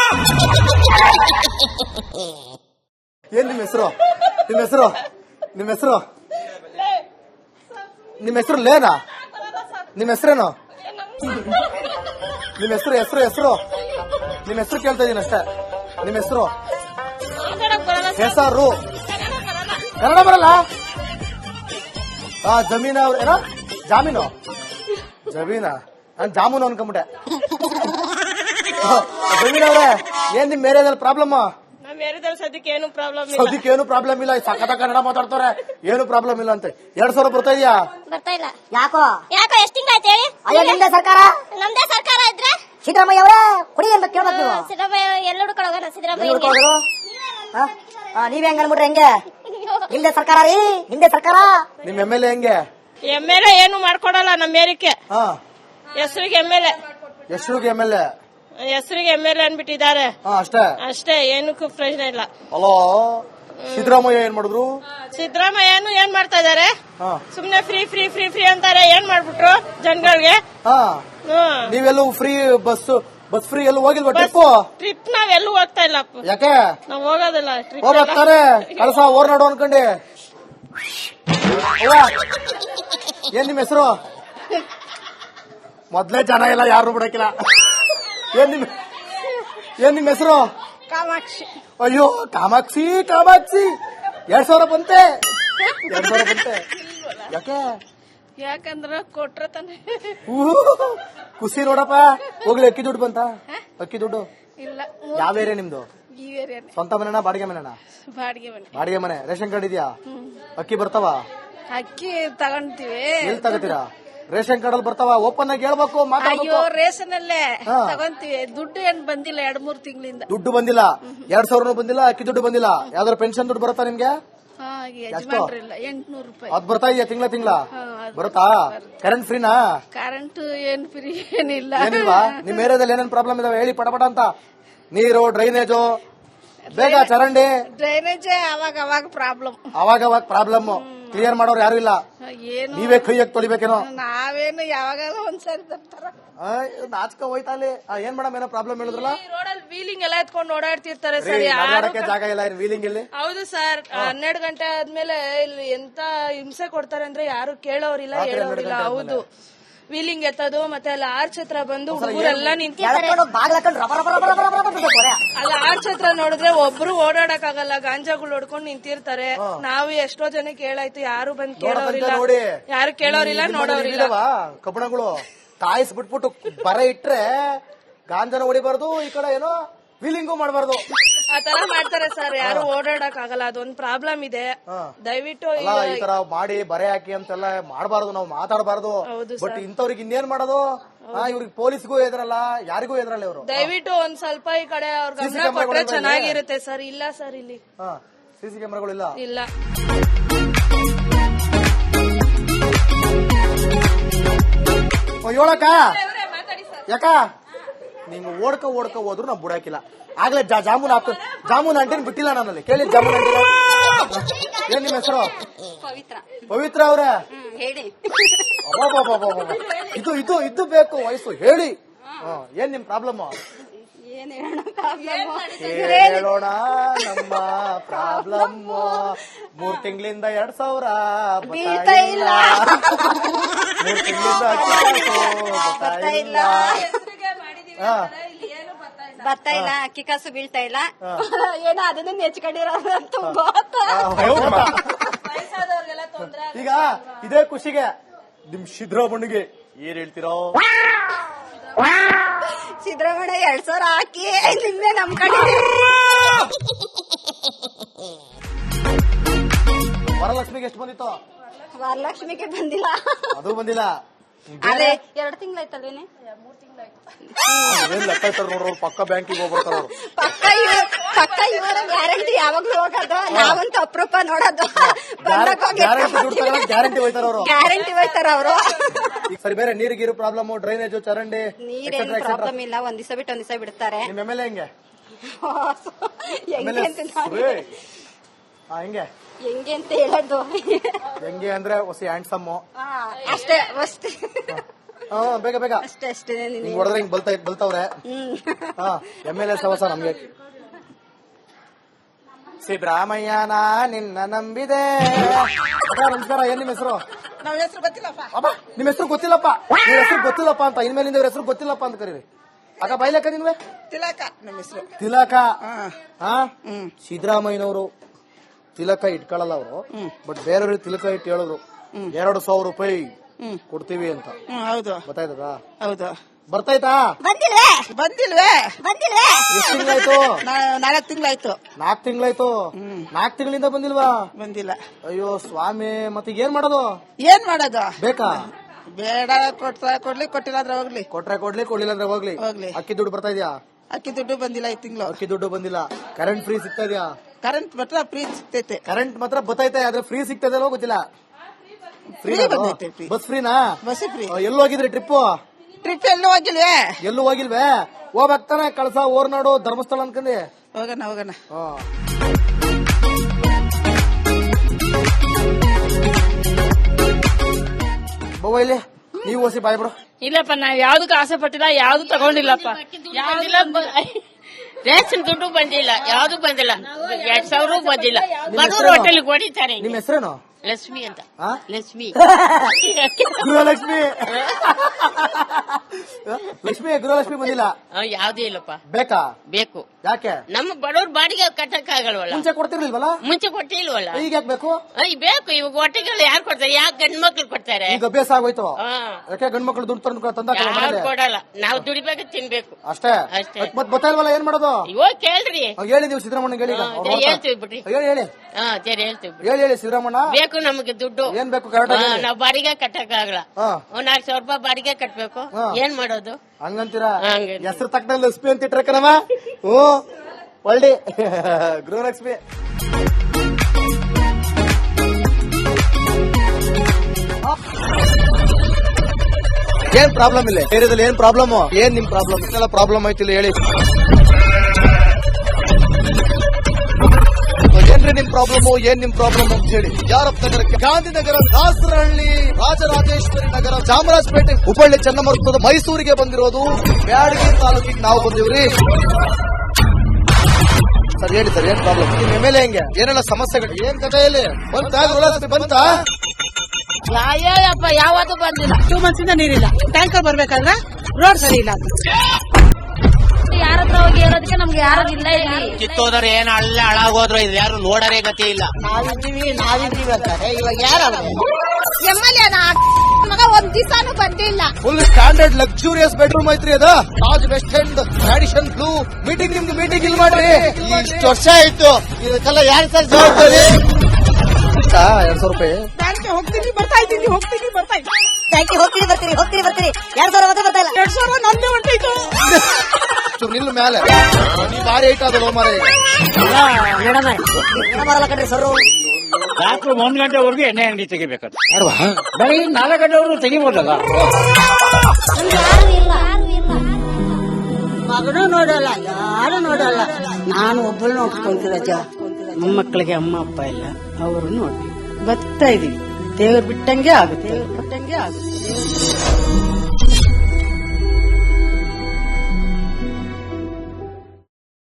ಏನ್ ನಿಮ್ಮ ಹೆಸರು? ನಿಮ್ಮ ಹೆಸರು? ನಿಮ್ಮ ಹೆಸರು? ನಿಮ್ಮ ಹೆಸರು ಲೇನಾ? ನಿಮ್ಮ ಹೆಸರೇನು? ನಿಮ್ಮ ಹೆಸರು ಹೆಸರು ಹೆಸರು ನಿಮ್ಮ ಹೆಸರು ಕೇಳ್ತಾ ಇದೀನಿ ಅಷ್ಟೇ. ನಿಮ್ಮ ಹೆಸರು? ಹೆಸರು ಕನ್ನಡ ಬರಲ್ಲ? ಜಮೀನ ಅವ್ರ ಏನೋ ಜಾಮೀನು ಜಮೀನಾ? ನಾನು ಜಾಮೂನು ಅನ್ಕೊಂಬಿಟ್ಟೆ. ಜಮೀನ್ ಅವ್ರೆ, ಏನ್ ನಿಮ್ ಏರಿಯಾದಲ್ಲಿ ಪ್ರಾಬ್ಲಮ್? ಸದ್ಯಕ್ಕೆ ಏನು ಪ್ರಾಬ್ಲಮ್ ಇಲ್ಲ. ಸಖತ ಕನ್ನಡ ಮಾತಾಡ್ತಾರೆ, ಏನು ಪ್ರಾಬ್ಲಮ್ ಇಲ್ಲ ಅಂತೆ. 2,000 ಬರ್ತಾ ಇದೆಯಾ? ಬರ್ತಾ ಇಲ್ಲ. ಯಾಕೋ ಎಷ್ಟು ತಿಂಗಳಾಯ್ತು ಹೇಳಿ? ಅಯ್ಯೋ ನಿಮ್ದೇ ಸರ್ಕಾರ. ನಮ್ದೇ ಸರ್ಕಾರ ಇದ್ರೆ ಸಿದ್ದರಾಮಯ್ಯ ಅವರೇ ಕುಡಿ ಅಂತ ಕೇಳ್ಬೇಕು ನೀವು. ಸಿದ್ದರಾಮಯ್ಯ ಎಲ್ಲ ಹುಡ್ಕೊಳ್ಳೋಣ. ಸಿದ್ದರಾಮಯ್ಯ ನೀವ್ ಹೆಂಗ್ ಅನ್ಬಿಟ್ರೆ ಹೆಂಗೆ? ನಿಮ್ದೇ ಸರ್ಕಾರ ರೀ, ನಿಮ್ದೇ ಸರ್ಕಾರ. ನಿಮ್ MLA ಹೆಂಗೆ? MLA ಏನು ಮಾಡ್ಕೊಡಲ್ಲ ನಮ್ಮ ಏರಿಕೆ. ಹೆಸರಿಗೆ MLA, ಹೆಸರಿಗೆ MLA, ಹೆಸರಿಗೆ MLA ಅನ್ಬಿಟ್ಟಿದ್ದಾರೆ ಅಷ್ಟೇ. ಏನಕ್ಕೂ ಪ್ರಯೋಜನ ಇಲ್ಲ. ಅಲೋ, ಸಿದ್ದರಾಮಯ್ಯ ಏನ್ ಮಾಡಿದ್ರು? ಸಿದ್ದರಾಮಯ್ಯನು ಏನ್ ಮಾಡ್ತಾ ಇದಾರೆ? ಸುಮ್ನೆ ಫ್ರೀ ಫ್ರೀ ಫ್ರೀ ಫ್ರೀ ಅಂತಾರೆ. ಏನ್ ಮಾಡ್ಬಿಟ್ರು ಜನಗಳಿಗೆ? ನೀವೆಲ್ಲೂ ಫ್ರೀ ಬಸ್ ಫ್ರೀ ಎಲ್ಲೂ ಹೋಗಿಲ್ವಾ? ಟ್ರಿಪ್ ನಾವೆಲ್ಲೂ ಹೋಗ್ತಾ ಇಲ್ಲ. ಯಾಕೆ? ನಾವ್ ಹೋಗೋದಿಲ್ಲ ಟ್ರಿಪ್. ಹೋಗ್ತಾರೆ ಕಳಸ ಓರ್ನಾಡು ಅನ್ಕೊಂಡೆ. ಏನ್ ನಿಮ್ ಹೆಸರು? ಮೊದ್ಲೇ ಜನ ಇಲ್ಲ, ಯಾರು ಬಿಡಕಿಲ್ಲ. ಏನ್ ನಿಮ್ ಹೆಸರು? ಕಾಮಾಕ್ಷಿ. ಅಯ್ಯೋ ಕಾಮಾಕ್ಷಿ 2,000 ಬಂತೆ. 2,000 ಬಂತೆ. ಯಾಕೆ? ಯಾಕಂದ್ರ ಕೊಟ್ರ ತಾನೆ. ಖುಷಿ ನೋಡಪ್ಪ. ಹೋಗ್ಲಿ, ಅಕ್ಕಿ ದುಡ್ಡು ಬಂತ? ಅಕ್ಕಿ ದುಡ್ಡು ಇಲ್ಲ. ಯಾವ ಏರಿಯಾ ನಿಮ್ದು? ಈ ಏರಿಯಾ. ಸ್ವಂತ ಮನೆನಾ ಬಾಡಿಗೆ ಮನೆನಾ? ಬಾಡಿಗೆ ಮನೆ. ರೇಷನ್ ಕಾರ್ಡ್ ಇದೆಯಾ? ಅಕ್ಕಿ ಬರ್ತಾವ? ಅಕ್ಕಿ ತಗೊಂತೀವಿ. ಎಲ್ಲಿ ತಗೋತೀರಾ? ರೇಷನ್ ಕಾರ್ಡ್ ಅಲ್ಲಿ ಬರ್ತಾವ? ಓಪನ್ ಆಗಿ ಹೇಳ್ಬೇಕು. ಅಯ್ಯೋ, ರೇಷನ್ ಅಲ್ಲೇ ತಗೊಂತೀವಿ. ದುಡ್ಡು ಏನ್ ಬಂದಿಲ್ಲ 2-3 ತಿಂಗಳಿಂದ. ದುಡ್ಡು ಬಂದಿಲ್ಲ? 2,000 ಬಂದಿಲ್ಲ, ಅಕ್ಕಿ ದುಡ್ಡು ಬಂದಿಲ್ಲ. ಯಾವ್ದಾದ್ರು ಪೆನ್ಷನ್ ದುಡ್ಡು ಬರುತ್ತಾ ನಿಮ್ಗೆ? 800 ರೂಪಾಯಿ. ಅದ್ ಬರ್ತಾ ಇದೆಯಾ? ತಿಂಗಳ ಬರುತ್ತಾ? ಕರೆಂಟ್ ಫ್ರೀನಾ? ಕರೆಂಟ್ ಏನ್ ಫ್ರೀ ಏನಿಲ್ಲ. ಏನಿಲ್ವಾ? ನಿಮ್ ಏರಿಯಾದಲ್ಲಿ ಏನೇನ್ ಪ್ರಾಬ್ಲಮ್ ಇದಾವೆ ಹೇಳಿ ಪಟಪಟ ಅಂತ. ನೀರು, ಡ್ರೈನೇಜು, ಬೇಗ ಚರಂಡಿ. ಡ್ರೈನೇಜ್ ಅವಾಗ ಪ್ರಾಬ್ಲಮ್. ಕ್ಲಿಯರ್ ಮಾಡೋರು ಯಾರು ಇಲ್ಲ. ಏನು ನೀವೇ ಕೈಯಾಗಿ ತೊಳಿಬೇಕೇನೋ? ನಾವೇನು ಯಾವಾಗ ಒಂದ್ಸರಿ ತರ್ತಾರ. ನಾಚ್ಕ ಹೋಯ್ತಾ ಅಲ್ಲಿ. ಏನ್ ಮೇಡಮ್ ಏನೋ ಪ್ರಾಬ್ಲಮ್ ಹೇಳಿದ್ರಲ್ಲ? ರೋಡಲ್ಲಿ ವೀಲಿಂಗ್ ಎಲ್ಲ ಎತ್ಕೊಂಡು ಓಡಾಡ್ತಿರ್ತಾರೆ ಸರ್. ಜಾಗ ಇಲ್ಲ ವೀಲಿಂಗ್ ಇಲ್ಲಿ. ಹೌದು ಸರ್. 12 ಗಂಟೆ ಆದ್ಮೇಲೆ ಇಲ್ಲಿ ಎಂತ ಹಿಂಸೆ ಕೊಡ್ತಾರೆ ಅಂದ್ರೆ ಯಾರು ಕೇಳೋರಿಲ್ಲ ಹೇಳೋರಿಲ್ಲ. ಹೌದು, ವೀಲಿಂಗ್ ಎತ್ತೋದು ಮತ್ತೆ ಅಲ್ಲಿ ಆರ್ಚ್ ಹತ್ರ ಬಂದು ಹುಡುಗರೆಲ್ಲ ನಿಂತಿರ್ತಾರೆ. ಅಲ್ಲಿ ಆರ್ಚ್ ಹತ್ರ ನೋಡಿದ್ರೆ ಒಬ್ರು ಓಡಾಡಕ್ ಆಗಲ್ಲ, ಗಾಂಜಾಗಳು ಹೊಡ್ಕೊಂಡು ನಿಂತಿರ್ತಾರೆ. ನಾವು ಎಷ್ಟೋ ಜನಕ್ಕೆ ಹೇಳಾಯ್ತು, ಯಾರು ಬಂದ್ ಕೇಳೋರಿಲ್ಲ, ಯಾರು ಕೇಳೋರಿಲ್ಲ, ನೋಡೋರಿಲ್ಲ. ಕಬ್ಬಣಗಳು ಕಾಯಿಸ್ ಬಿಟ್ಬಿಟ್ಟು ಬರ ಇಟ್ರೆ ಗಾಂಜಾನ ಹೊಡಿಬಾರ್ದು, ಈ ಕಡೆ ಏನೋ ವೀಲಿಂಗು ಮಾಡಬಾರ್ದು. ಆತರ ಮಾಡ್ತಾರೆ ಸರ್. ಯಾರು ಓಡಾಡಕ್ ಆಗಲ್ಲ, ಅದೊಂದು ಪ್ರಾಬ್ಲಮ್ ಇದೆ. ದಯವಿಟ್ಟು ಈ ತರ ಮಾಡಿ ಬರೆ ಹಾಕಿ ಅಂತೆಲ್ಲ ಮಾಡಬಾರ್ದು, ನಾವು ಮಾತಾಡಬಾರ್ದು. ಬಟ್ ಇಂಥವ್ರಿಗೆ ಇನ್ನೇನ್ ಮಾಡೋದು? ಇವ್ರಿಗೆ ಪೊಲೀಸ್ಗೂ ಎದ್ರಲ್ಲ, ಯಾರಿಗೂ ಎದ್ರಲ್ಲ ಇವರು. ದಯವಿಟ್ಟು ಒಂದ್ ಸ್ವಲ್ಪ ಈ ಕಡೆ ಅವ್ರ ಗಮನ ಕೊಟ್ರೆ ಚೆನ್ನಾಗಿರುತ್ತೆ ಸರ್. ಇಲ್ಲ ಸರ್, ಇಲ್ಲಿ ಸಿಸಿ ಕ್ಯಾಮೆರಾಗಳು ಇಲ್ಲ. ಹೇಳಕ್ಕ ಯಾಕ ನೀವು ಓಡ್ಕ ಹೋದ್ರು ನಾವು ಬಿಡಾಕಿಲ್ಲ. ಆಗ್ಲೇ ಜಾಮೂನ್ ಅಂಟಿನ ಬಿಟ್ಟಿಲ್ಲ ನನ್ನಲ್ಲಿ. ಕೇಳಿ ಜಾಮೂನ್ ಅಂಟಿನ. ಏನ್ ನಿಮ್ಮ ಹೆಸರು? ಪವಿತ್ರ ಅವ್ರ? ಇದು ಬೇಕು ವಯಸ್ಸು. ಹೇಳಿ, ಏನ್ ನಿಮ್ ಪ್ರಾಬ್ಲಮ್? ಹೇಳೋಣ ನಮ್ಮ ಪ್ರಾಬ್ಲಮ್. 3 ತಿಂಗಳಿಂದ 2,000 ಬರ್ತಾ ಇಲ್ಲ. 3 ತಿಂಗಳಿಂದ ಬರ್ತಾ ಇಲ್ಲ. ಬರ್ತಾ ಇಲ್ಲ, ಅಕ್ಕಿ ಕಾಸು ಬೀಳ್ತಾ ಇಲ್ಲ. ಏನೋ ಅದನ್ನ ನೆಚ್ಕೊಂಡಿರೋದು. ಈಗ ಇದೇ ಖುಷಿಗೆ ನಿಮ್ ಸಿದ್ದರಾಮಯ್ಯಗೆ ಏನ್ ಹೇಳ್ತೀರೋ? ಸಿದ್ದರಾಮಯ್ಯ 2,000 ಹಾಕಿ ನಿಮ್ದೆ ನಮ್ ಕಡೆ. ವರಲಕ್ಷ್ಮಿಗೆ ಎಷ್ಟು ಬಂದಿತ್ತು? ವರಲಕ್ಷ್ಮಿಗೆ ಬಂದಿಲ್ಲ. ಅದು ಬಂದಿಲ್ಲ. ಅದೇ 2 ತಿಂಗಳಾಯ್ತಲ್ವೇನೆ? 3 ತಿಂಗಳಾಯ್ತು. ನೋಡ್ರು ಪಕ್ಕ ಬ್ಯಾಂಕಿಗೆ ಹೋಗ್ಬರ್ತಾರ. ಪಕ್ಕ ಇವರ ಗ್ಯಾರಂಟಿ ಯಾವಾಗ್ಲೂ ಹೋಗೋದು. ನಾವಂತೂ ಅಪರೂಪ ನೋಡೋದು. ಗ್ಯಾರಂಟಿ ಹೋಯ್ತಾರ ಅವರು. ಗ್ಯಾರಂಟಿ ಹೋಯ್ತಾರ ಅವರು. ಸರಿ, ಬೇರೆ ನೀರಿಗಿರು ಪ್ರಾಬ್ಲಮ್, ಡ್ರೈನೇಜ್, ಚರಂಡಿ ನೀರೇನು ಪ್ರಾಬ್ಲಮ್ ಇಲ್ಲ. ಒಂದ್ ದಿವಸ ಬಿಟ್ಟು ಒಂದ್ ದಿವಸ ಬಿಡ್ತಾರೆ. ನಿಮ್ MLA ಹೆಂಗೆ? ಹೆಂಗೆ ಅಂತ ಹೇಳೋದು? ಹೆಂಗೆ ಅಂದ್ರೆ ಹೊಸ ಹ್ಯಾಂಡ್ಸಮ್ ಅಷ್ಟೇ. ಬೇಗ ಬೇಗ ಅಷ್ಟೇ ಹಿಂಗ್ ಹೊಡೆದ್ರೆ ಹಿಂಗ್ ಬಲ್ತವ್ರೆ. MLA ಸವಸ ನಮ್ಗೆ. ಸಿದ್ದರಾಮಯ್ಯನ ನಿನ್ನ ನಂಬಿದೆ. ನಮಸ್ಕಾರ, ಏನ್ ನಿಮ್ಮ ಹೆಸರು? ನಾವ್ ಹೆಸರು ಗೊತ್ತಿಲ್ಲಪ್ಪ. ನಿಮ್ ಹೆಸರು ಗೊತ್ತಿಲ್ಲಪ್ಪ, ನಿಮ್ ಹೆಸರು ಗೊತ್ತಿಲ್ಲಪ್ಪ ಅಂತ ಇನ್ಮೇಲಿಂದ ಇವ್ರ ಹೆಸರು ಗೊತ್ತಿಲ್ಲಪ್ಪ ಅಂತ ಕರೀರಿ. ಅಕ್ಕ ಬೈಲಕ್ಕ ನಿನ್ವೆ? ತಿಲಕ ನಮ್ಮ ಹೆಸರು. ತಿಲಕ. ಸಿದ್ದರಾಮಯ್ಯನವರು ತಿಲಕ ಇಟ್ಕೊಳ್ಳಲ್ಲ ಅವರು, ಬಟ್ ಬೇರೆಯವ್ರಿಗೆ ತಿಲಕ ಇಟ್ಟು ಹೇಳಿದ್ರು 2,000 ರೂಪಾಯಿ ಕೊಡ್ತೀವಿ ಅಂತ. ಹೌದು. ಗೊತ್ತಾಯ್ತದ? ಹೌದು. ಬರ್ತಾಯ್ತಾ? ಬಂದಿಲ್ವೇ? ಎಷ್ಟು ತಿಂಗಳಾಯ್ತು? 4 ತಿಂಗಳಾಯ್ತು. 4 ತಿಂಗಳಾಯ್ತು. 4 ತಿಂಗಳಿಂದ ಬಂದಿಲ್ವಾ? ಬಂದಿಲ್ಲ. ಅಯ್ಯೋ ಸ್ವಾಮಿ, ಮತ್ತೀಗ ಏನ್ ಮಾಡೋದು? ಏನ್ ಮಾಡೋದು? ಬೇಕಾ? ಬೇಡ, ಕೊಡ್ಲಿ, ಕೊಟ್ಟಿಲ್ಲ ಅಂದ್ರೆ ಹೋಗ್ಲಿ. ಕೊಟ್ರೆ ಕೊಡ್ಲಿ, ಕೊಡ್ಲಿಲ್ಲ ಅಂದ್ರೆ ಹೋಗ್ಲಿ. ಅಕ್ಕಿ ದುಡ್ಡು ಬರ್ತಾ ಇದೆಯಾ? ಅಕ್ಕಿ ದುಡ್ಡು ಬಂದಿಲ್ಲ ಈ ತಿಂಗಳು. ಅಕ್ಕಿ ದುಡ್ಡು ಬಂದಿಲ್ಲ. ಕರೆಂಟ್ ಫ್ರೀ ಸಿಗ್ತಾ ಇದೆಯಾ? ಕರೆಂಟ್ ಮಾತ್ರ ಫ್ರೀ ಸಿಗ್ತೈತೆ. ಕರೆಂಟ್ ಮಾತ್ರ ಬತ್ತೈತೆ, ಆದ್ರೆ ಫ್ರೀ ಸಿಗ್ತದೆ ಅಲ್ವೋ ಗೊತ್ತಿಲ್ಲ. ಫ್ರೀ ಬಂದೈತೆ. ಬಸ್ ಫ್ರೀನಾ? Bus free. ಎಲ್ಲಿ ಹೋಗಿದ್ರಿ ಟ್ರಿಪ್? ಟ್ರಿಪ್ ಎಲ್ಲೂ ಹೋಗಿಲ್ವೇ? ಎಲ್ಲೂ ಹೋಗಿಲ್ವೇ? ಹೋಗ್ತಾನೆ ಕಳಸ, ಓರ್ನಾಡು, ಧರ್ಮಸ್ಥಳ ಅನ್ಕಂಡಿ. ಹೋಗೋಣ. ಬವ್ವ ಇಲ್ಲಿ ನೀವು ಓಸಿ ಬಾಯ್ ಬಿಡು. ಇಲ್ಲಪ್ಪ, ನಾವ್ ಯಾವ್ದಕ್ಕೂ ಆಸೆ ಪಟ್ಟಿಲ್ಲ, ಯಾವ್ದು ತಗೊಂಡಿಲ್ಲಪ್ಪ. ರೇಷನ್ ದುಡ್ಡು ಬಂದಿಲ್ಲ, ಯಾವ್ದು ಬಂದಿಲ್ಲ, 2,000 ಬಂದಿಲ್ಲ. ಬಡವ್ರ ಹೋಟೆಲ್ ಹೊಡಿತಾರೆ. ನಿಮ್ ಹೆಸರೇನು? ಲಕ್ಷ್ಮಿ ಅಂತ. ಲಕ್ಷ್ಮಿ ಗೃಹಲಕ್ಷ್ಮಿ. ಲಕ್ಷ್ಮಿ ಗೃಹಲಕ್ಷ್ಮಿ ಬಂದಿಲ್ಲ. ಯಾವ್ದೇ ಇಲ್ಲಪ್ಪ. ಬೇಕಾ? ಬೇಕು. ಯಾಕೆ? ನಮ್ಮ ಬಡವ್ರ ಬಾಡಿಗೆ ಕಟ್ಟಕ್ ಆಗಲ್ವಲ್ಲ. ಮುಂಚೆ ಕೊಡ್ತಿರ್ಲಿಲ್ವಲ್ಲ? ಮುಂಚೆ ಕೊಟ್ಟಿಲ್ವಲ್ಲ. ಈಗ ಯಾಕೆ ಬೇಕು? ಬೇಕು. ಇವಾಗ ಹೊಟ್ಟೆಗಳು ಯಾರು ಕೊಡ್ತಾರೆ? ಯಾಕೆ ಗಂಡ್ ಮಕ್ಳು ಕೊಡ್ತಾರೆ? ಈಗ ಅಭ್ಯಾಸ ಆಗೋಯ್ತು. ಯಾಕೆ ಗಂಡ್ ಮಕ್ಳು ದುಡ್ಡು ತಂದ ಯಾರು ಕೊಡಲ್ಲ, ನಾವು ದುಡಿಬೇಕು, ತಿನ್ಬೇಕು ಅಷ್ಟೇ. ಮತ್ ಗೊತ್ತಾಲ್ವಲ್ಲ, ಏನ್ ಮಾಡೋದು? ಇವಾಗ ಕೇಳ್ರಿ. ಹೇಳಿ ನೀವು ಸಿದ್ದರಾಮಣ್ಣ ಹೇಳಿ. ಹೇಳ್ತೀವಿ ಬಿಡ್ರಿ. ಹೇಳಿ ಹೇಳ್ತೀವಿ. ಹೇಳಿ ಸಿದ್ದರಾಮಣ್ಣ. ಬೇಕು ನಮಗೆ ದುಡ್ಡು. ಏನ್ ಬೇಕು? ಕರೆಕ್ಟ್. ನಾವ್ ಬಾಡಿಗೆ ಕಟ್ಟಕ್ ಆಗಲ್ಲ. 4,000 ರೂಪಾಯಿ ಬಾಡಿಗೆ ಕಟ್ಬೇಕು. ಏನ್ ಮಾಡೋದು? ಹಂಗಂತೀರಾ? ಹೆಸರು ತಕ್ಕನಲ್ಲಿ ಲಕ್ಷ್ಮಿ ಅಂತ ಇಟ್ರಕನವ. ಒಳ್ಳೆ ಗೃಹಲಕ್ಷ್ಮಿ. ಏನ್ ಪ್ರಾಬ್ಲಮ್ ಇಲ್ಲ ಏರಿಯಾದಲ್ಲಿ? ಏನ್ ಪ್ರಾಬ್ಲಮ್? ಏನ್ ನಿಮ್ ಪ್ರಾಬ್ಲಮ್? ಇದೆಲ್ಲ ಪ್ರಾಬ್ಲಮ್ ಆಯ್ತಿಲ್ಲ ಹೇಳಿ. ಏನ್ರಿ ನಿಮ್ ಪ್ರಾಬ್ಲಮ್? ಏನ್ ನಿಮ್ ಪ್ರಾಬ್ಲಮ್ ಅಂತ ಹೇಳಿ. ಯಾರಪ್ಪ ನಗರಕ್ಕೆ? ಗಾಂಧಿನಗರ, ದಾಸರಹಳ್ಳಿ, ರಾಜರಾಜೇಶ್ವರಿ ನಗರ, ಚಾಮರಾಜಪೇಟೆ, ಹುಬ್ಬಳ್ಳಿ, ಚನ್ನಮರುತ್ತದ, ಮೈಸೂರಿಗೆ ಬಂದಿರೋದು. ಬ್ಯಾಡಗಿ ತಾಲೂಕಿಗೆ ನಾವು ಬಂದಿವ್ರಿ. ಸರ್ ಹೇಳಿ ಸರ್, ಏನ್ ಪ್ರಾಬ್ಲಮ್? ನಿಮ್ MLA ಹೆಂಗೆ? ಏನೆಲ್ಲ ಸಮಸ್ಯೆಗಳು? ಏನ್ ಕಥೆ ಇಲ್ಲಿ? ಬಂತಾ? ಅಯ್ಯಪ್ಪ, ಯಾವತ್ತೂ ಬಂದಿಲ್ಲ. 2 months ಇಂದ ನೀರಿಲ್ಲ. ಟ್ಯಾಂಕರ್ ಬರ್ಬೇಕಾದ್ರೆ ರೋಡ್ ಸರಿ ಇಲ್ಲ. ಯಾರ ಹತ್ರ ಹೋಗಿ ಹೇಳೋದಕ್ಕೆ ನಮ್ಗೆ ಯಾರು ಇಲ್ಲ ಇಲ್ಲಿ. ಕಿತ್ತೋದ್ರೆ ಏನ್ ಅಲ್ಲೇ ಹಾಳಾಗೋದ್ರು, ಇದು ಯಾರು ನೋಡರೇ ಗತಿ ಇಲ್ಲ. ನಾವಿದ್ದೀವಿ ಅಂತಾರೆ. ಇವಾಗ ಯಾರು MLA ಮಗ ಒಂದ್ ದಿವಸನೂ ಬಂದಿಲ್ಲ. ಫುಲ್ ಸ್ಟ್ಯಾಂಡರ್ಡ್ ಲಕ್ಸುರಿಯಸ್ ಬೆಡ್ರೂಮ್ ಐತ್ರಿ ಅದ. Taj West End, Radisson Blu. Meeting ನಿಮ್ದು ಮೀಟಿಂಗ್ ಇಲ್ಲಿ ಮಾಡ್ರಿ. ಇಷ್ಟು ವರ್ಷ ಆಯ್ತು, ಇದಕ್ಕೆಲ್ಲ ಯಾರು ಸರ್ ಜವಾಬ್ದಾರಿ? 2,000 ರೂಪಾಯಿ ಬ್ಯಾಂಕ್ಗೆ ಹೋಗ್ತೀನಿ ಬರ್ತಾ ಇದ್ದೀನಿ. Thank you. ಹೋಗ್ತೀರಿ ಬರ್ತಾ ಇಲ್ಲ. 2,000 ಮತ್ತೆ ಬರ್ತಾ ಇಲ್ಲ. 2,000 ನಂದೇ ಹೊಂಟೈತು. ನಿಲ್ಲು ಮೇಲೆ ನೀ ಭಾರಿ ಐಟ್ ಅದಲ್ಲ ಮಾರ. ಬರಲ್ಲ ಕಣ್ರಿ ಸರ್. ರಾತ್ರಿ 1 ಗಂಟೆವರೆಗೂ ಎಣ್ಣೆ ಅಂಗಡಿ ತೆಗಿಬೇಕಂತ. ಬೆಳಗ್ಗೆ 4 ಗಂಟೆವರೆಗೂ ತೆಗಿಬೋದಲ್ಲ. ಮಗನೂ ನೋಡಲ್ಲ, ಯಾರು ನೋಡಲ್ಲ. ನಾನು ಒಬ್ಬಳು ನೋಡ್ಕೊಂತೀರಜ್ಜ. ಮೊಮ್ಮಕ್ಕಳಿಗೆ ಅಮ್ಮ ಅಪ್ಪ ಇಲ್ಲ, ಅವರು ನೋಡಿ ಬರ್ತಾ ಇದೀವಿ. ದೇವ್ರು ಬಿಟ್ಟಂಗೆ ಆಗುತ್ತೆ.